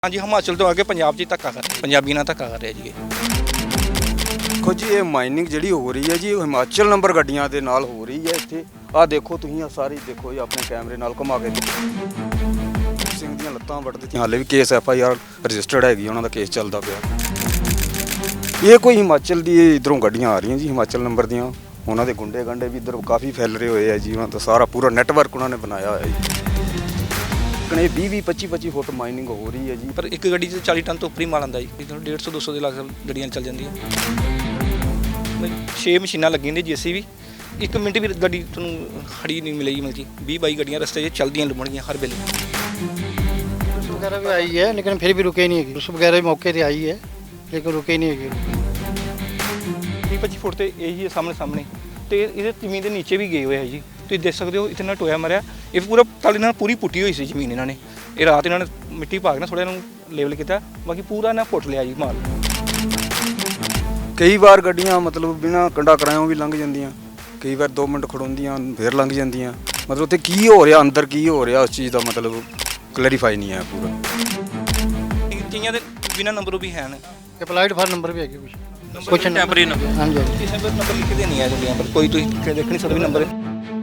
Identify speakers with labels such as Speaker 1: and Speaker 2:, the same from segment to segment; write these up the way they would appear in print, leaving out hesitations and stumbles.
Speaker 1: ਹਾਂਜੀ ਹਿਮਾਚਲ ਤੋਂ ਆ ਕੇ ਪੰਜਾਬ 'ਚ ਹੀ ਧੱਕਾ ਕਰ ਰਿਹਾ, ਪੰਜਾਬੀ ਨਾਲ ਧੱਕਾ ਕਰ ਰਿਹਾ ਜੀ ਇਹ।
Speaker 2: ਦੇਖੋ ਜੀ ਇਹ ਮਾਈਨਿੰਗ ਜਿਹੜੀ ਹੋ ਰਹੀ ਹੈ ਜੀ ਉਹ ਹਿਮਾਚਲ ਨੰਬਰ ਗੱਡੀਆਂ ਦੇ ਨਾਲ ਹੋ ਰਹੀ ਹੈ ਇੱਥੇ। ਆਹ ਦੇਖੋ ਤੁਸੀਂ, ਆ ਸਾਰੀ ਦੇਖੋ ਜੀ ਆਪਣੇ ਕੈਮਰੇ ਨਾਲ ਘੁਮਾ ਕੇ ਸਿੰਘ ਦੀਆਂ ਲੱਤਾਂ ਵੱਢ ਦਿੱਤੀਆਂ। ਹਾਲੇ ਵੀ ਕੇਸ FIR ਰਜਿਸਟਰਡ ਹੈਗੀ, ਉਹਨਾਂ ਦਾ ਕੇਸ ਚੱਲਦਾ ਪਿਆ। ਇਹ ਕੋਈ ਹਿਮਾਚਲ ਦੀ ਇਧਰੋਂ ਗੱਡੀਆਂ ਆ ਰਹੀਆਂ ਜੀ, ਹਿਮਾਚਲ ਨੰਬਰ ਦੀਆਂ। ਉਹਨਾਂ ਦੇ ਗੁੰਡੇ ਗੰਡੇ ਵੀ ਇੱਧਰ ਕਾਫੀ ਫੈਲ ਰਹੇ ਹੋਏ ਆ ਜੀ। ਉਹਨਾਂ ਦਾ ਸਾਰਾ ਪੂਰਾ ਨੈਟਵਰਕ ਉਹਨਾਂ ਨੇ ਬਣਾਇਆ ਹੋਇਆ ਜੀ। ਕਨੇ 20 25 ਫੁੱਟ ਮਾਈਨਿੰਗ ਹੋ ਰਹੀ ਹੈ ਜੀ।
Speaker 1: ਪਰ ਇੱਕ ਗੱਡੀ 'ਚ 40 ਟਨ ਤੋਂ ਉੱਪਰ ਹੀ ਮਾਲ ਆਉਂਦਾ ਜੀ। 150 200 ਦੇ ਲੱਖ ਗੱਡੀਆਂ ਚੱਲ ਜਾਂਦੀਆਂ। 6 ਮਸ਼ੀਨਾਂ ਲੱਗੀਆਂ ਨੇ JCB, 1 ਮਿੰਟ ਵੀ ਗੱਡੀ ਤੁਹਾਨੂੰ ਖੜੀ ਨਹੀਂ ਮਿਲੇਗੀ। ਮਤਲਬ ਕਿ 20 22 ਗੱਡੀਆਂ ਰਸਤੇ 'ਚ ਚੱਲਦੀਆਂ ਲੁਮਣਗੀਆਂ ਹਰ ਵੇਲੇ।
Speaker 3: पुलिस वगैरह भी आई है लेकिन फिर भी रुके नहीं है। पुलिस वगैरह भी मौके पे आई है लेकिन रुके नहीं है।
Speaker 1: 20 25 ਫੁੱਟ ਤੇ ਇਹੀ ਸਾਹਮਣੇ ਤੇ ਇਹਦੇ ਜ਼ਮੀਨ ਦੇ ਨੀਚੇ ਵੀ ਗਏ ਹੋਏ ਆ ਜੀ। ਤੁਸੀਂ ਦੇਖ ਸਕਦੇ ਹੋ ਇਤਨਾ ਟੋਇਆ ਮਰਿਆ। ਇਹ ਪੂਰਾ ਤਾਲੀ ਨਾਲ ਪੂਰੀ ਪੁੱਟੀ ਹੋਈ ਸੀ ਜ਼ਮੀਨ। ਇਹਨਾਂ ਨੇ ਇਹ ਰਾਤ ਇਹਨਾਂ ਨੇ ਮਿੱਟੀ ਪਾ ਕੇ ਨਾ ਥੋੜ੍ਹਾ ਇਹਨੂੰ ਲੇਵਲ ਕੀਤਾ, ਬਾਕੀ ਪੂਰਾ ਇਹਨਾਂ ਪੁੱਟ ਲਿਆ ਜੀ ਮਾਲ।
Speaker 2: ਕਈ ਵਾਰ ਗੱਡੀਆਂ ਮਤਲਬ ਬਿਨਾਂ ਕੰਡਾ ਕਰਾਇਓ ਵੀ ਲੰਘ ਜਾਂਦੀਆਂ, ਕਈ ਵਾਰ 2 ਮਿੰਟ ਖੜੋਂਦੀਆਂ ਫਿਰ ਲੰਘ ਜਾਂਦੀਆਂ। ਮਤਲਬ ਉੱਥੇ ਕੀ ਹੋ ਰਿਹਾ, ਅੰਦਰ ਕੀ ਹੋ ਰਿਹਾ, ਉਸ ਚੀਜ਼ ਦਾ ਮਤਲਬ ਕਲੈਰੀਫਾਈ ਨਹੀਂ ਹੈ ਪੂਰਾ।
Speaker 1: ਕਈਆਂ ਦੇ ਬਿਨਾਂ ਨੰਬਰੋਂ ਵੀ ਹੈ ਨੇ।
Speaker 3: अप्लाइड फॉर नंबर भी है कुछ
Speaker 1: ਟੈਂਪਰੇਰੀ ਨੰਬਰ।
Speaker 3: हाँ जी।
Speaker 1: ਕਿਸੇ ਪਰ ਨੰਬਰ ਲਿਖਦੇ ਨਹੀਂ ਆ ਗੱਡੀਆਂ ਪਰ, ਕੋਈ ਤੁਸੀਂ ਦੇਖ ਨਹੀਂ ਸਕਦੇ ਵੀ ਨੰਬਰ।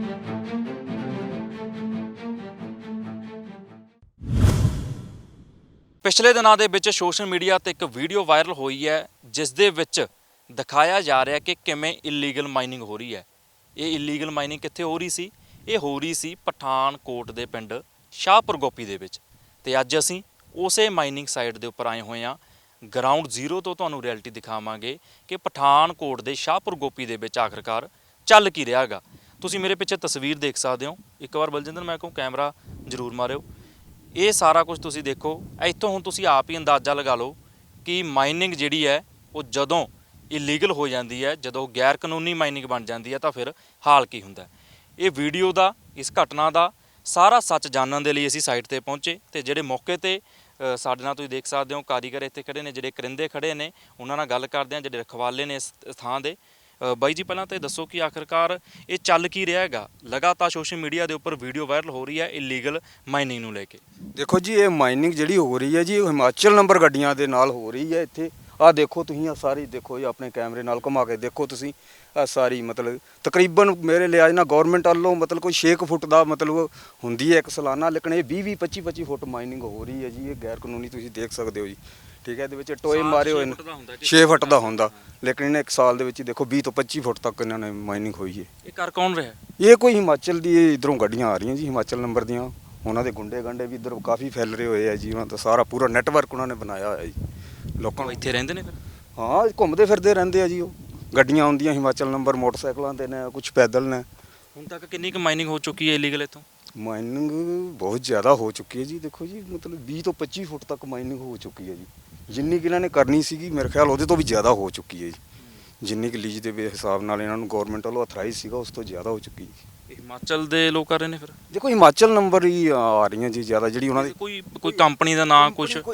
Speaker 4: ਪਿਛਲੇ ਦਿਨਾਂ ਦੇ ਵਿੱਚ ਸੋਸ਼ਲ ਮੀਡੀਆ ਤੇ ਇੱਕ ਵੀਡੀਓ ਵਾਇਰਲ ਹੋਈ ਹੈ ਜਿਸ ਦੇ ਵਿੱਚ ਦਿਖਾਇਆ ਜਾ ਰਿਹਾ ਕਿ ਕਿਵੇਂ ਇਲੀਗਲ ਮਾਈਨਿੰਗ ਹੋ ਰਹੀ ਹੈ। ਇਹ ਇਲੀਗਲ ਮਾਈਨਿੰਗ ਕਿੱਥੇ ਹੋ ਰਹੀ ਸੀ? ਇਹ ਹੋ ਰਹੀ ਸੀ ਪਠਾਨਕੋਟ ਦੇ ਪਿੰਡ ਸ਼ਾਹਪੁਰ ਗੋਪੀ ਦੇ ਵਿੱਚ। ਤੇ ਅੱਜ ਅਸੀਂ ਉਸੇ ਮਾਈਨਿੰਗ ਸਾਈਟ ਦੇ ਉੱਪਰ ਆਏ ਹੋਏ ਹਾਂ। ਗਰਾਊਂਡ ਜ਼ੀਰੋ ਤੋਂ ਤੁਹਾਨੂੰ ਰਿਐਲਿਟੀ ਦਿਖਾਵਾਂਗੇ ਕਿ ਪਠਾਨਕੋਟ ਦੇ ਸ਼ਾਹਪੁਰ ਗੋਪੀ ਦੇ ਵਿੱਚ ਆਖਰਕਾਰ ਚੱਲ ਕੀ ਰਿਹਾ ਹੈਗਾ। ਤੁਸੀਂ ਮੇਰੇ ਪਿੱਛੇ ਤਸਵੀਰ ਦੇਖ ਸਕਦੇ ਹੋ। ਇੱਕ ਵਾਰ ਬਲਜਿੰਦਰ ਮੈਂ ਕਹੂੰ ਕੈਮਰਾ ਜ਼ਰੂਰ ਮਾਰਿਓ। ਇਹ ਸਾਰਾ ਕੁਝ ਤੁਸੀਂ ਦੇਖੋ। ਇੱਥੋਂ ਹੁਣ ਤੁਸੀਂ ਆਪ ਹੀ ਅੰਦਾਜ਼ਾ ਲਗਾ ਲਓ ਕਿ ਮਾਈਨਿੰਗ ਜਿਹੜੀ ਹੈ ਉਹ ਜਦੋਂ ਇਲੀਗਲ ਹੋ ਜਾਂਦੀ ਹੈ, ਜਦੋਂ ਗੈਰ ਕਾਨੂੰਨੀ ਮਾਈਨਿੰਗ ਬਣ ਜਾਂਦੀ ਹੈ ਤਾਂ ਫਿਰ ਹਾਲ ਕੀ ਹੁੰਦਾ। ਇਹ ਵੀਡੀਓ ਦਾ, ਇਸ ਘਟਨਾ ਦਾ ਸਾਰਾ ਸੱਚ ਜਾਣਨ ਦੇ ਲਈ ਅਸੀਂ ਸਾਈਟ ਤੇ ਪਹੁੰਚੇ ਤੇ ਜਿਹੜੇ ਮੌਕੇ ਤੇ ਸਾਡੇ ਨਾਲ ਤੁਸੀਂ ਦੇਖ ਸਕਦੇ ਹੋ ਕਾਰੀਗਰ ਇੱਥੇ ਖੜੇ ਨੇ, ਜਿਹੜੇ ਕਰਿੰਦੇ ਖੜੇ ਨੇ, ਉਹਨਾਂ ਨਾਲ ਗੱਲ ਕਰਦੇ ਹਾਂ, ਜਿਹੜੇ ਰਖਵਾਲੇ ਨੇ ਇਸ ਥਾਂ ਦੇ। ਬਾਈ ਜੀ ਪਹਿਲਾਂ ਤਾਂ ਇਹ ਦੱਸੋ ਕਿ ਆਖਰਕਾਰ ਇਹ ਚੱਲ ਕੀ ਰਿਹਾ ਹੈਗਾ? ਲਗਾਤਾਰ ਸੋਸ਼ਲ ਮੀਡੀਆ ਦੇ ਉੱਪਰ ਵੀਡੀਓ ਵਾਇਰਲ ਹੋ ਰਹੀ ਹੈ ਇਲੀਗਲ ਮਾਈਨਿੰਗ ਨੂੰ ਲੈ ਕੇ।
Speaker 2: ਦੇਖੋ ਜੀ ਇਹ ਮਾਈਨਿੰਗ ਜਿਹੜੀ ਹੋ ਰਹੀ ਹੈ ਜੀ ਉਹ ਹਿਮਾਚਲ ਨੰਬਰ ਗੱਡੀਆਂ ਦੇ ਨਾਲ ਹੋ ਰਹੀ ਹੈ ਇੱਥੇ। ਆਹ ਦੇਖੋ ਤੁਸੀਂ, ਆ ਸਾਰੀ ਦੇਖੋ ਜੀ ਆਪਣੇ ਕੈਮਰੇ ਨਾਲ ਘੁਮਾ ਕੇ ਦੇਖੋ ਤੁਸੀਂ। ਆ ਸਾਰੀ ਮਤਲਬ ਤਕਰੀਬਨ ਮੇਰੇ ਲਿਹਾਜ਼ ਨਾਲ ਗਵਰਨਮੈਂਟ ਵੱਲੋਂ ਮਤਲਬ ਕੋਈ 6 ਫੁੱਟ ਦਾ ਮਤਲਬ ਹੁੰਦੀ ਹੈ ਇੱਕ ਸਾਲਾਨਾ, ਲੇਕਿਨ ਇਹ 20 25 ਫੁੱਟ ਮਾਈਨਿੰਗ ਹੋ ਰਹੀ ਹੈ ਜੀ। ਇਹ ਗੈਰ ਕਾਨੂੰਨੀ ਤੁਸੀਂ ਦੇਖ ਸਕਦੇ ਹੋ ਜੀ। ਠੀਕ ਹੈ, ਇਹਦੇ ਵਿੱਚ ਟੋਏ ਮਾਰੇ ਹੋਏ ਨੇ। 6 ਫੁੱਟ ਦਾ ਹੁੰਦਾ, ਲੇਕਿਨ ਇਹਨੇ ਇੱਕ ਸਾਲ ਦੇ ਵਿੱਚ ਦੇਖੋ 20 ਤੋਂ 25 ਫੁੱਟ ਤੱਕ ਇਹਨਾਂ ਨੇ ਮਾਈਨਿੰਗ ਹੋਈ ਹੈ।
Speaker 4: ਇਹ ਕਰ ਕੌਣ ਰਿਹਾ?
Speaker 2: ਇਹ ਕੋਈ ਹਿਮਾਚਲ ਦੀ ਇਧਰੋਂ ਗੱਡੀਆਂ ਆ ਰਹੀਆਂ ਜੀ, ਹਿਮਾਚਲ ਨੰਬਰ ਦੀਆਂ। ਉਹਨਾਂ ਦੇ ਗੁੰਡੇ ਗੰਡੇ ਵੀ ਇੱਧਰ ਕਾਫੀ ਫੈਲ ਰਹੇ ਹੋਏ ਆ ਜੀ। ਉਹਨਾਂ ਦਾ ਸਾਰਾ ਪੂਰਾ ਨੈਟਵਰਕ ਉਹਨਾਂ ਨੇ ਬਣਾਇਆ ਹੋਇਆ ਜੀ। ਲੋਕਾਂ ਨੂੰ
Speaker 4: ਇੱਥੇ ਰਹਿੰਦੇ ਨੇ ਫਿਰ?
Speaker 2: ਹਾਂ, ਘੁੰਮਦੇ ਫਿਰਦੇ ਰਹਿੰਦੇ ਆ ਜੀ। ਉਹ ਗੱਡੀਆਂ ਆਉਂਦੀਆਂ ਹਿਮਾਚਲ ਨੰਬਰ ਮੋਟਰਸਾਈਕਲਾਂ ਤੇ ਨੇ, ਕੁਝ ਪੈਦਲ ਨੇ।
Speaker 4: ਹੁਣ ਤੱਕ ਕਿੰਨੀ ਕੁ ਮਾਈਨਿੰਗ ਹੋ ਚੁੱਕੀ ਹੈ ਇਲੀਗਲ ਇੱਥੋਂ?
Speaker 2: ਮਾਈਨਿੰਗ ਬਹੁਤ ਜ਼ਿਆਦਾ ਹੋ ਚੁੱਕੀ ਹੈ ਜੀ। ਦੇਖੋ ਜੀ ਮਤਲਬ 20 ਤੋਂ 25 ਫੁੱਟ ਤੱਕ ਮਾਈਨਿੰਗ ਹੋ ਚੁੱਕੀ ਹੈ ਜੀ। ਜਿੰਨੀ ਕਿ ਇਹਨਾਂ ਨੇ ਕਰਨੀ ਸੀਗੀ ਮੇਰੇ ਖਿਆਲ ਉਹਦੇ ਤੋਂ ਵੀ ਜ਼ਿਆਦਾ ਹੋ ਚੁੱਕੀ ਹੈ ਜੀ। ਜਿੰਨੀ ਕਿ ਲੀਜ਼ ਦੇ ਹਿਸਾਬ ਨਾਲ ਇਹਨਾਂ ਨੂੰ ਗਵਰਨਮੈਂਟ ਵੱਲੋਂ ਅਥਰਾਈਜ਼ ਸੀਗਾ ਉਸ ਤੋਂ ਜ਼ਿਆਦਾ ਹੋ ਚੁੱਕੀ ਹੈ।
Speaker 4: ਇਹ ਹਿਮਾਚਲ ਦੇ ਲੋਕ ਕਰ ਰਹੇ ਨੇ ਫਿਰ?
Speaker 2: ਦੇਖੋ ਹਿਮਾਚਲ ਨੰਬਰ ਹੀ ਆ ਰਹੀਆਂ ਜੀ ਜ਼ਿਆਦਾ, ਜਿਹੜੀ ਉਹਨਾਂ ਦੀ
Speaker 4: ਕੋਈ ਕੰਪਨੀ ਦਾ ਨਾਂ ਕੁਝ?
Speaker 2: ਕੋਈ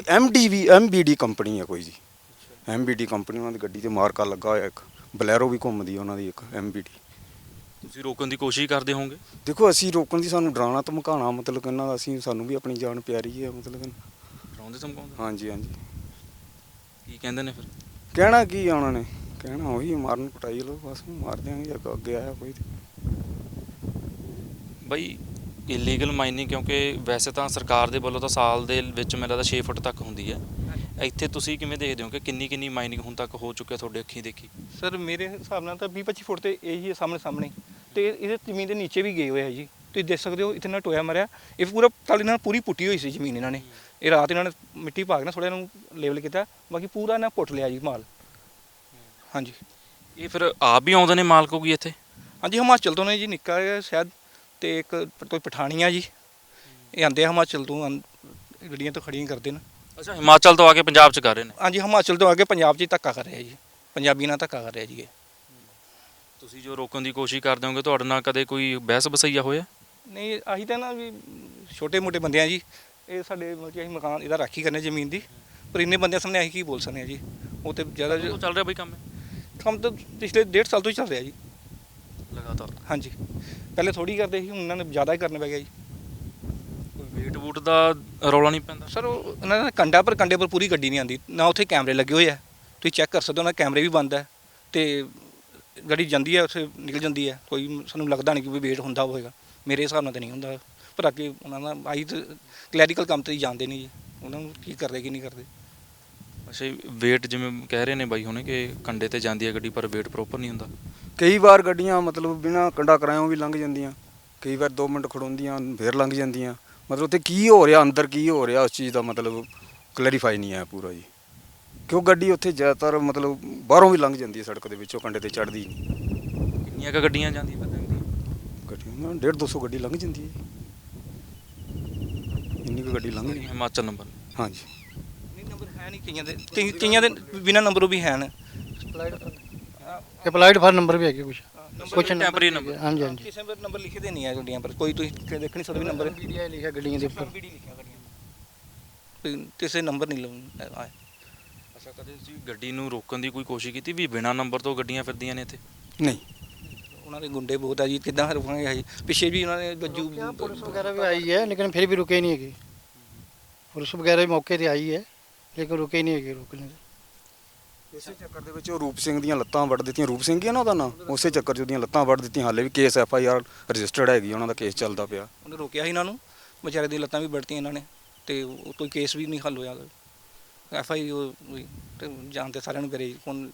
Speaker 2: MBD ਕੰਪਨੀ ਹੈ ਕੋਈ ਜੀ। MBD ਕੰਪਨੀ ਉਹਨਾਂ ਦੀ ਗੱਡੀ ਤੇ ਮਾਰਕਾ ਲੱਗਾ ਹੋਇਆ, ਇੱਕ ਬਲੈਰੋ ਵੀ ਘੁੰਮਦੀ ਹੈ ਉਹਨਾਂ ਦੀ, ਇੱਕ MBD।
Speaker 4: ਤੁਸੀਂ ਰੋਕਣ ਦੀ ਕੋਸ਼ਿਸ਼ ਕਰਦੇ ਹੋਵੋਗੇ?
Speaker 2: ਦੇਖੋ ਅਸੀਂ ਰੋਕਣ ਦੀ, ਸਾਨੂੰ ਡਰਾਉਣਾ ਧਮਕਾਉਣਾ ਮਤਲਬ ਇਹਨਾਂ ਦਾ, ਅਸੀਂ ਸਾਨੂੰ ਵੀ ਆਪਣੀ ਜਾਨ ਪਿਆਰੀ ਹੈ ਮਤਲਬ।
Speaker 4: ਡਰਾਉਂਦੇ ਧਮਕਾਉਂਦੇ?
Speaker 2: ਹਾਂਜੀ ਹਾਂਜੀ।
Speaker 4: ਕੀ ਕਹਿੰਦੇ ਨੇ ਫਿਰ?
Speaker 2: ਕਹਿਣਾ ਕੀ ਆ ਉਹਨਾਂ ਨੇ? ਕਹਿਣਾ ਉਹੀ ਮਾਰਨ ਕੁਟਾਈ ਲਓ ਬਸ, ਮਾਰ ਦਿਆਂਗੇ। ਅੱਗੇ ਆਇਆ ਕੋਈ
Speaker 4: ਬਈ ਇਲੀਗਲ ਮਾਈਨਿੰਗ, ਕਿਉਂਕਿ ਵੈਸੇ ਤਾਂ ਸਰਕਾਰ ਦੇ ਵੱਲੋਂ ਤਾਂ ਸਾਲ ਦੇ ਵਿੱਚ ਮੈਨੂੰ ਲੱਗਦਾ 6 ਫੁੱਟ ਤੱਕ ਹੁੰਦੀ ਹੈ। ਇੱਥੇ ਤੁਸੀਂ ਕਿਵੇਂ ਦੇਖਦੇ ਹੋ ਕਿ ਕਿੰਨੀ ਮਾਈਨਿੰਗ ਹੁਣ ਤੱਕ ਹੋ ਚੁੱਕਿਆ ਤੁਹਾਡੇ ਅੱਖੀਂ ਦੇਖੀ?
Speaker 1: ਸਰ ਮੇਰੇ ਹਿਸਾਬ ਨਾਲ ਤਾਂ 20 25 ਫੁੱਟ ਤੇ ਇਹੀ ਸਾਹਮਣੇ ਤੇ ਇਹਦੇ ਜ਼ਮੀਨ ਦੇ ਨੀਚੇ ਵੀ ਗਏ ਹੋਏ ਆ ਜੀ। ਤੁਸੀਂ ਦੇਖ ਸਕਦੇ ਹੋ ਇਤਨਾ ਟੋਇਆ ਮਰਿਆ। ਇਹ ਪੂਰਾ ਤਾਲੀ ਨਾਲ ਪੂਰੀ ਪੁੱਟੀ ਹੋਈ ਸੀ ਜ਼ਮੀਨ। ਇਹਨਾਂ ਨੇ ਇਹ ਰਾਤ ਇਹਨਾਂ ਨੇ ਮਿੱਟੀ ਪਾ ਕੇ ਨਾ ਥੋੜ੍ਹਾ ਇਹਨੂੰ ਲੇਵਲ ਕੀਤਾ, ਬਾਕੀ ਪੂਰਾ ਇਹਨਾਂ ਪੁੱਟ ਲਿਆ ਜੀ ਮਾਲ। ਹਾਂਜੀ। ਇਹ
Speaker 4: ਫਿਰ ਆਪ ਵੀ ਆਉਂਦੇ ਨੇ ਮਾਲਕ ਹੋਗੀ ਇੱਥੇ?
Speaker 1: ਹਾਂਜੀ, ਹਿਮਾਚਲ ਤੋਂ ਨੇ ਜੀ, ਨਿੱਕਾ ਜਿਹਾ ਸ਼ਾਇਦ, ਤੇ ਇੱਕ ਕੋਈ ਪਠਾਨੀਆ ਜੀ। ਇਹ ਆਉਂਦੇ ਆ ਹਿਮਾਚਲ ਤੋਂ, ਗੱਡੀਆਂ ਤੋਂ ਖੜੀਆਂ ਕਰਦੇ ਨੇ।
Speaker 4: ਅੱਛਾ, ਹਿਮਾਚਲ ਤੋਂ ਆ ਕੇ ਪੰਜਾਬ 'ਚ ਕਰ ਰਹੇ ਨੇ?
Speaker 1: ਹਾਂਜੀ, ਹਿਮਾਚਲ ਤੋਂ ਆ ਕੇ ਪੰਜਾਬ 'ਚ ਹੀ ਧੱਕਾ ਕਰ ਰਿਹਾ ਜੀ, ਪੰਜਾਬੀ ਨਾਲ ਧੱਕਾ ਕਰ ਰਿਹਾ ਜੀ ਇਹ।
Speaker 4: ਤੁਸੀਂ ਜੋ ਰੋਕਣ ਦੀ ਕੋਸ਼ਿਸ਼ ਕਰਦੇ ਹੋਗੇ, ਤੁਹਾਡੇ ਨਾਲ ਕਦੇ ਕੋਈ ਬਹਿਸ ਬਸਈਆ ਹੋਇਆ?
Speaker 1: ਨਹੀਂ, ਅਸੀਂ ਤਾਂ ਨਾ ਵੀ ਛੋਟੇ ਮੋਟੇ ਬੰਦੇ ਆ ਜੀ। ਇਹ ਸਾਡੇ ਮਤਲਬ ਕਿ ਅਸੀਂ ਮਕਾਨ ਇਹਦਾ ਰਾਖੀ ਕਰਨੇ ਜ਼ਮੀਨ ਦੀ, ਪਰ ਇੰਨੇ ਬੰਦਿਆਂ ਸਾਹਮਣੇ ਅਸੀਂ ਕੀ ਬੋਲ ਸਕਦੇ ਹਾਂ ਜੀ। ਉਹ ਤਾਂ ਜ਼ਿਆਦਾ
Speaker 4: ਚੱਲ ਰਿਹਾ ਬਈ ਕੰਮ?
Speaker 1: ਕੰਮ ਤਾਂ ਪਿਛਲੇ 1.5 ਸਾਲ ਤੋਂ ਹੀ ਚੱਲ ਰਿਹਾ ਜੀ
Speaker 4: ਲਗਾਤਾਰ।
Speaker 1: ਹਾਂਜੀ, ਪਹਿਲੇ ਥੋੜ੍ਹੀ ਕਰਦੇ ਸੀ, ਹੁਣ ਉਹਨਾਂ ਨੇ ਜ਼ਿਆਦਾ ਹੀ ਕਰਨ ਪੈ ਗਿਆ ਜੀ।
Speaker 4: ਵੇਟ ਵੂਟ ਦਾ ਰੌਲਾ ਨਹੀਂ ਪੈਂਦਾ?
Speaker 1: ਸਰ ਉਹ ਉਹਨਾਂ ਦਾ ਕੰਡੇ ਪਰ ਪੂਰੀ ਗੱਡੀ ਨਹੀਂ ਆਉਂਦੀ ਨਾ, ਉੱਥੇ ਕੈਮਰੇ ਲੱਗੇ ਹੋਏ ਆ, ਤੁਸੀਂ ਚੈੱਕ ਕਰ ਸਕਦੇ ਹੋ, ਉਹਨਾਂ ਦੇ ਕੈਮਰੇ ਵੀ ਬੰਦ ਹੈ ਤੇ ਗੱਡੀ ਜਾਂਦੀ ਹੈ ਉੱਥੇ ਨਿਕਲ ਜਾਂਦੀ ਹੈ, ਕੋਈ ਸਾਨੂੰ ਲੱਗਦਾ ਨਹੀਂ ਕਿ ਵੀ ਵੇਟ ਹੁੰਦਾ ਹੋਵੇਗਾ, ਮੇਰੇ ਹਿਸਾਬ ਨਾਲ ਤਾਂ ਨਹੀਂ ਹੁੰਦਾ। ਪਰ ਅੱਗੇ ਉਹਨਾਂ ਦਾ ਆਈ ਤਾਂ ਕਲੈਰੀਕਲ ਕੰਮ ਤੇ ਹੀ ਜਾਣਦੇ ਨਹੀਂ ਜੀ, ਉਹਨਾਂ ਨੂੰ ਕੀ ਕਰਦੇ ਕੀ ਨਹੀਂ ਕਰਦੇ।
Speaker 4: ਅੱਛਾ, ਵੇਟ ਜਿਵੇਂ ਕਹਿ ਰਹੇ ਨੇ ਬਾਈ ਹੁਣੇ ਕਿ ਕੰਡੇ ਤੇ ਜਾਂਦੀ ਹੈ ਗੱਡੀ ਪਰ ਵੇਟ ਪ੍ਰੋਪਰ ਨਹੀਂ ਹੁੰਦਾ।
Speaker 2: ਕਈ ਵਾਰ ਗੱਡੀਆਂ ਮਤਲਬ ਬਿਨਾਂ ਕੰਡਾ ਕਰਾਇਓ ਵੀ ਲੰਘ ਜਾਂਦੀਆਂ, ਕਈ ਵਾਰ 2 ਮਿੰਟ ਖੜੋਂਦੀਆਂ ਫਿਰ ਲੰਘ ਜਾਂਦੀਆਂ। ਮਤਲਬ ਉੱਥੇ ਕੀ ਹੋ ਰਿਹਾ, ਅੰਦਰ ਕੀ ਹੋ ਰਿਹਾ, ਉਸ ਚੀਜ਼ ਦਾ ਮਤਲਬ ਕਲੈਰੀਫਾਈ ਨਹੀਂ ਹੈ ਪੂਰਾ ਜੀ। ਕਿਉਂ ਗੱਡੀ ਉੱਥੇ ਜ਼ਿਆਦਾਤਰ ਮਤਲਬ ਬਾਹਰੋਂ ਵੀ ਲੰਘ ਜਾਂਦੀ ਹੈ, ਸੜਕ ਦੇ ਵਿੱਚੋਂ ਕੰਡੇ ਤੇ ਚੜ੍ਹਦੀ ਨਹੀਂ।
Speaker 4: ਕਿੰਨੀਆਂ ਕੁ ਗੱਡੀਆਂ ਜਾਂਦੀਆਂ ਪਤਾ ਨਹੀਂ?
Speaker 2: ਗੱਡੀਆਂ 150-200 ਗੱਡੀ ਲੰਘ ਜਾਂਦੀ ਹੈ, ਇੰਨੀ ਕੁ ਗੱਡੀ ਲੰਘ ਜਾਂਦੀ।
Speaker 4: ਹਿਮਾਚਲ ਨੰਬਰ?
Speaker 2: ਹਾਂਜੀ।
Speaker 1: ਨਹੀਂ ਨੰਬਰ ਹੈ ਨਹੀਂ ਕਈਆਂ ਦੇ ਬਿਨਾਂ ਨੰਬਰੋਂ ਵੀ ਹਨ।
Speaker 3: ਅਪਲਾਈਡ ਫਾਰ ਨੰਬਰ ਵੀ ਹੈਗੇ ਕੁਛ
Speaker 4: ਟੈਂਪਰੇਰੀ ਨੰਬਰ?
Speaker 3: ਹਾਂਜੀ ਹਾਂਜੀ।
Speaker 1: ਕਿਸੇ ਪਰ ਨੰਬਰ ਲਿਖੇ ਦੇ ਨਹੀਂ ਹੈ ਗੱਡੀਆਂ ਪਰ, ਕੋਈ ਤੁਸੀਂ ਦੇਖ ਨਹੀਂ ਸਕਦੇ ਵੀ ਨੰਬਰ
Speaker 3: ਵੀਡੀਓ ਲਿਖਿਆ ਗੱਡੀਆਂ ਦੇ ਉੱਪਰ।
Speaker 1: ਲਿਖਿਆ ਗੱਡੀਆਂ ਕੋਈ ਕਿਸੇ ਨੰਬਰ ਨਹੀਂ ਆਇਆ।
Speaker 4: ਅੱਛਾ, ਕਦੇ ਤੁਸੀਂ ਗੱਡੀ ਨੂੰ ਰੋਕਣ ਦੀ ਕੋਈ ਕੋਸ਼ਿਸ਼ ਕੀਤੀ ਵੀ ਬਿਨਾਂ ਨੰਬਰ ਤੋਂ ਗੱਡੀਆਂ ਫਿਰਦੀਆਂ ਨੇ ਇੱਥੇ?
Speaker 2: ਨਹੀਂ,
Speaker 1: ਉਹਨਾਂ ਦੇ ਗੁੰਡੇ ਬਹੁਤ ਆ ਜੀ, ਕਿੱਦਾਂ ਰੁਕਾਂਗੇ ਜੀ। ਪਿੱਛੇ ਵੀ ਉਹਨਾਂ ਨੇ ਗੱਜੂ
Speaker 3: ਪੁਲਿਸ ਵਗੈरह भी आई है लेकिन फिर भी रुके नहीं है। पुलिस वगैरह भी मौके पे आई है लेकिन रुके नहीं है रोकने से।
Speaker 2: ਇਸੇ ਚੱਕਰ ਦੇ ਵਿੱਚ ਉਹ ਰੂਪ ਸਿੰਘ ਦੀਆਂ ਲੱਤਾਂ ਵੱਢ ਦਿੱਤੀਆਂ, ਰੂਪ ਸਿੰਘ ਹੀ ਆ ਨਾ ਉਹਦਾ ਨਾਂ, ਉਸੇ ਚੱਕਰ 'ਚ ਉਹਦੀਆਂ ਲੱਤਾਂ ਵੱਢ ਦਿੱਤੀਆਂ। ਹਾਲੇ ਵੀ ਕੇਸ FIR ਰਜਿਸਟਰਡ ਹੈਗੀ, ਉਹਨਾਂ ਦਾ ਕੇਸ ਚੱਲਦਾ ਪਿਆ।
Speaker 1: ਉਹਨੇ ਰੋਕਿਆ ਸੀ ਇਹਨਾਂ ਨੂੰ, ਵਿਚਾਰੇ ਦੀਆਂ ਲੱਤਾਂ ਵੀ ਵੱਢਤੀਆਂ ਇਹਨਾਂ ਨੇ ਤੇ ਕੋਈ ਕੇਸ ਵੀ ਨਹੀਂ ਹੱਲ ਹੋਇਆ। FI ਹੋਈ ਤੇ ਜਾਣਦੇ ਸਾਰਿਆਂ ਨੂੰ ਕਰੇ ਹੁਣ।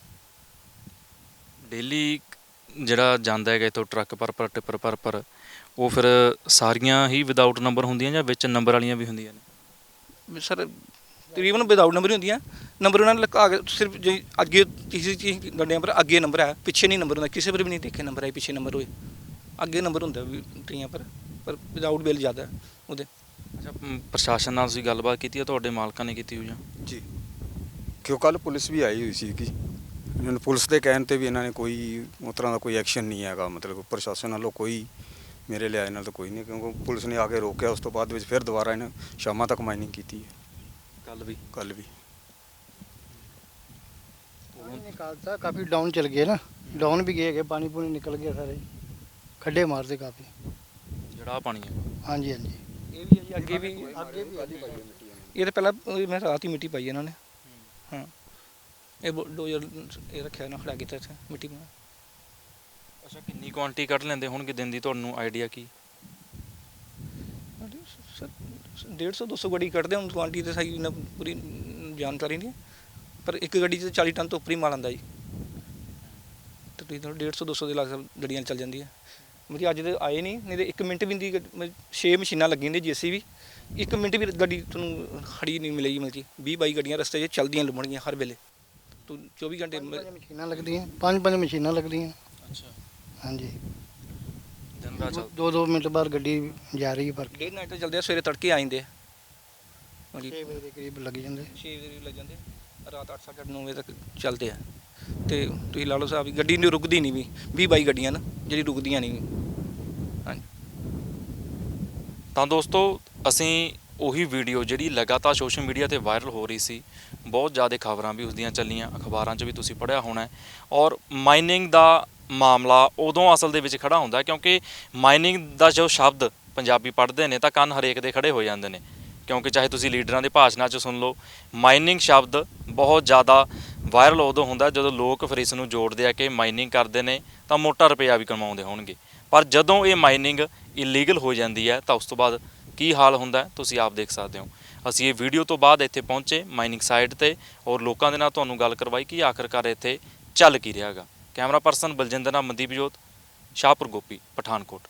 Speaker 4: ਡੇਲੀ ਜਿਹੜਾ ਜਾਂਦਾ ਹੈਗਾ ਇੱਥੋਂ ਟਰੱਕ ਪਰ ਟਿੱਪਰ ਪਰ ਉਹ ਫਿਰ ਸਾਰੀਆਂ ਹੀ ਵਿਦਆਊਟ ਨੰਬਰ ਹੁੰਦੀਆਂ ਜਾਂ ਵਿੱਚ ਨੰਬਰ ਵਾਲੀਆਂ ਵੀ ਹੁੰਦੀਆਂ ਨੇ?
Speaker 1: ਸਰ ਤਕਰੀਬਨ ਵਿਦਆਊਟ ਨੰਬਰ ਹੀ ਹੁੰਦੀਆਂ, ਨੰਬਰ ਉਹਨਾਂ ਨੇ ਲਗਾ ਕੇ ਸਿਰਫ ਜੇ ਅੱਗੇ ਕਿਸੇ ਗੱਡੀਆਂ ਪਰ ਅੱਗੇ ਨੰਬਰ ਹੈ, ਪਿੱਛੇ ਨਹੀਂ ਨੰਬਰ ਹੁੰਦਾ। ਕਿਸੇ ਪਰ ਵੀ ਨਹੀਂ ਦੇਖੇ ਨੰਬਰ ਹੈ ਪਿੱਛੇ ਨੰਬਰ ਹੋਏ, ਅੱਗੇ ਨੰਬਰ ਹੁੰਦਾ ਵੀ ਟੀਆਂ ਪਰ ਵਿਦਆਊਟ ਬਿੱਲ ਜ਼ਿਆਦਾ ਉਹਦੇ।
Speaker 4: ਅੱਛਾ, ਪ੍ਰਸ਼ਾਸਨ ਨਾਲ ਤੁਸੀਂ ਗੱਲਬਾਤ ਕੀਤੀ ਹੈ, ਤੁਹਾਡੇ ਮਾਲਕਾਂ ਨੇ ਕੀਤੀ ਹੋਈ ਜਾਂ?
Speaker 2: ਜੀ, ਕਿਉਂ ਕੱਲ ਪੁਲਿਸ ਵੀ ਆਈ ਹੋਈ ਸੀ ਕਿ ਇਹਨਾਂ ਨੂੰ ਪੁਲਿਸ ਦੇ ਕਹਿਣ ਤੇ ਵੀ ਇਹਨਾਂ ਨੇ ਕੋਈ ਉਸ ਤਰ੍ਹਾਂ ਦਾ ਕੋਈ ਐਕਸ਼ਨ ਨਹੀਂ ਹੈਗਾ, ਮਤਲਬ ਪ੍ਰਸ਼ਾਸਨ ਵੱਲੋਂ ਕੋਈ ਮੇਰੇ ਲਿਆਏ ਨਾਲ ਤਾਂ ਕੋਈ ਨਹੀਂ, ਕਿਉਂਕਿ ਪੁਲਿਸ ਨੇ ਆ ਕੇ ਰੋਕਿਆ। ਉਸ ਤੋਂ ਬਾਅਦ ਵਿੱਚ ਫਿਰ ਦੁਬਾਰਾ ਇਹਨਾਂ ਸ਼ਾਮਾਂ ਤੱਕ ਮਾਈਨਿੰਗ ਕੀਤੀ ਹੈ, ਕੱਲ ਵੀ
Speaker 3: निकालता काफ़ी डाउन चल गए ना, डाउन भी गए पानी पूनी निकल गया सारे, खड्डे मारते काफ़ी।
Speaker 4: ਜਿਹੜਾ ਆਹ ਪਾਣੀ ਹੈ?
Speaker 3: हाँ जी हाँ जी।
Speaker 1: ਇਹ ਵੀ ਹੈ ਜੀ, ਅੱਗੇ ਵੀ
Speaker 3: आगे भी
Speaker 1: ਇਹ ਤਾਂ ਪਹਿਲਾਂ ਮੈਂ ਰਾਤ ਹੀ ਮਿੱਟੀ ਪਾਈ ਇਹਨਾਂ ਨੇ। ਹਾਂ, ਇਹ ਡੋਜ਼ਰ ਇਹ ਰੱਖਿਆ ਨਾ ਖੜਾ ਕੀਤਾ ਇੱਥੇ ਮਿੱਟੀ ਪਾ।
Speaker 4: ਅੱਛਾ, ਕਿੰਨੀ ਕੁਆਂਟੀ ਕੱਢ ਲੈਂਦੇ ਹੋਣਗੇ ਦਿਨ ਦੀ, ਤੁਹਾਨੂੰ ਆਈਡੀਆ ਕੀ?
Speaker 1: 150-200 ਗੱਡੀ ਕੱਢਦੇ ਹੁਣ, ਕੁਆਂਟੀ ਤੇ ਸਹੀ ਨਾ ਪੂਰੀ ਜਾਣਕਾਰੀ ਨਹੀਂ, ਪਰ ਇੱਕ ਗੱਡੀ 'ਚ 40 ਟਨ ਤੋਂ ਉੱਪਰ ਹੀ ਮਾਲ ਆਉਂਦਾ ਜੀ। ਤੇ ਤੁਸੀਂ 150-200 ਦੇ ਲਗਭਗ ਗੱਡੀਆਂ ਚੱਲ ਜਾਂਦੀਆਂ। ਮੇਰੀ ਅੱਜ ਦੇ ਆਏ ਨਹੀਂ ਤੇ 1 ਮਿੰਟ ਵੀ ਨਹੀਂ, 6 ਮਸ਼ੀਨਾਂ ਲੱਗੀਆਂ ਨੇ JCB, 1 ਮਿੰਟ ਵੀ ਗੱਡੀ ਤੁਹਾਨੂੰ ਖੜੀ ਨਹੀਂ ਮਿਲੇਗੀ। ਮਤਲਬ ਕਿ 20-22 ਗੱਡੀਆਂ ਰਸਤੇ 'ਚ ਚੱਲਦੀਆਂ ਲੱਭਣਗੀਆਂ ਹਰ ਵੇਲੇ। ਤੂੰ 24 ਘੰਟੇ
Speaker 3: मशीना लगती हैं, 5 मशीना लगती हैं।
Speaker 4: ਅੱਛਾ,
Speaker 3: हाँ जी।
Speaker 4: ਦਿਨ ਰਾਤ ਚੱਲ
Speaker 3: 2-2 मिनट बाद गड्डी जा रही है पर
Speaker 1: ਡੇਢ ਨਾਈਟ ਚੱਲਦੇ ਆ, ਸਵੇਰੇ ਤੜਕੇ ਆ ਜਾਂਦੇ ਆ।
Speaker 3: 6 बजे के करीब लग जाते।
Speaker 1: 6 ਵਜੇ ਲੱਗ ਜਾਂਦੇ, ਰਾਤ 8-9 ਵਜੇ ਤੱਕ ਚੱਲਦੇ ਆ। ਤੇ ਤੁਸੀਂ ਲਾ ਲਓ ਸਾਹਿਬ ਵੀ ਗੱਡੀ ਨਹੀਂ ਰੁਕਦੀ ਨਹੀਂ ਵੀ, 20-22 ਗੱਡੀਆਂ ਨਾ ਜਿਹੜੀ ਰੁਕਦੀਆਂ ਨਹੀਂ। ਹਾਂਜੀ।
Speaker 4: ਤਾਂ ਦੋਸਤੋ, ਅਸੀਂ ਉਹੀ ਵੀਡੀਓ ਜਿਹੜੀ ਲਗਾਤਾਰ ਸੋਸ਼ਲ ਮੀਡੀਆ ਤੇ ਵਾਇਰਲ ਹੋ ਰਹੀ ਸੀ, ਬਹੁਤ ਜ਼ਿਆਦਾ ਖਬਰਾਂ ਵੀ ਉਸ ਦੀਆਂ ਚੱਲੀਆਂ, ਅਖਬਾਰਾਂ 'ਚ ਵੀ ਤੁਸੀਂ ਪੜ੍ਹਿਆ ਹੋਣਾ। ਔਰ ਮਾਈਨਿੰਗ ਦਾ ਮਾਮਲਾ ਉਦੋਂ ਅਸਲ ਦੇ ਵਿੱਚ ਖੜਾ ਹੁੰਦਾ ਕਿਉਂਕਿ ਮਾਈਨਿੰਗ ਦਾ ਜੋ ਸ਼ਬਦ ਪੰਜਾਬੀ ਪੜ੍ਹਦੇ ਨੇ ਤਾਂ ਕੰਨ ਹਰੇਕ ਦੇ ਖੜੇ ਹੋ ਜਾਂਦੇ ਨੇ, ਕਿਉਂਕਿ ਚਾਹੇ ਤੁਸੀਂ ਲੀਡਰਾਂ ਦੇ ਭਾਸ਼ਣਾਂ 'ਚ ਸੁਣ ਲਓ, ਮਾਈਨਿੰਗ ਸ਼ਬਦ ਬਹੁਤ ਜ਼ਿਆਦਾ ਵਾਇਰਲ ਉਦੋਂ ਹੁੰਦਾ ਜਦੋਂ ਲੋਕ ਫਿਰ ਇਸ ਨੂੰ ਜੋੜਦੇ ਆ ਕਿ ਮਾਈਨਿੰਗ ਕਰਦੇ ਨੇ ਤਾਂ ਮੋਟਾ ਰੁਪਇਆ ਵੀ ਕਮਾਉਂਦੇ ਹੋਣਗੇ। ਪਰ ਜਦੋਂ ਇਹ ਮਾਈਨਿੰਗ ਇਲੀਗਲ ਹੋ ਜਾਂਦੀ ਹੈ ਤਾਂ ਉਸ ਤੋਂ ਬਾਅਦ ਕੀ ਹਾਲ ਹੁੰਦਾ ਤੁਸੀਂ ਆਪ ਦੇਖ ਸਕਦੇ ਹੋ। ਅਸੀਂ ਇਹ ਵੀਡੀਓ ਤੋਂ ਬਾਅਦ ਇੱਥੇ ਪਹੁੰਚੇ ਮਾਈਨਿੰਗ ਸਾਈਟ ਤੇ ਔਰ ਲੋਕਾਂ ਦੇ ਨਾਲ ਤੁਹਾਨੂੰ ਗੱਲ ਕਰਵਾਈ ਕਿ ਆਖਰਕਾਰ ਇੱਥੇ ਚੱਲ ਕੀ ਰਿਹਾ ਹੈਗਾ। ਕੈਮਰਾ ਪਰਸਨ ਬਲਜਿੰਦਰ ਨਾਲ ਮਨਦੀਪ ਜੋਤ, ਸ਼ਾਹਪੁਰ ਗੋਪੀ, ਪਠਾਨਕੋਟ।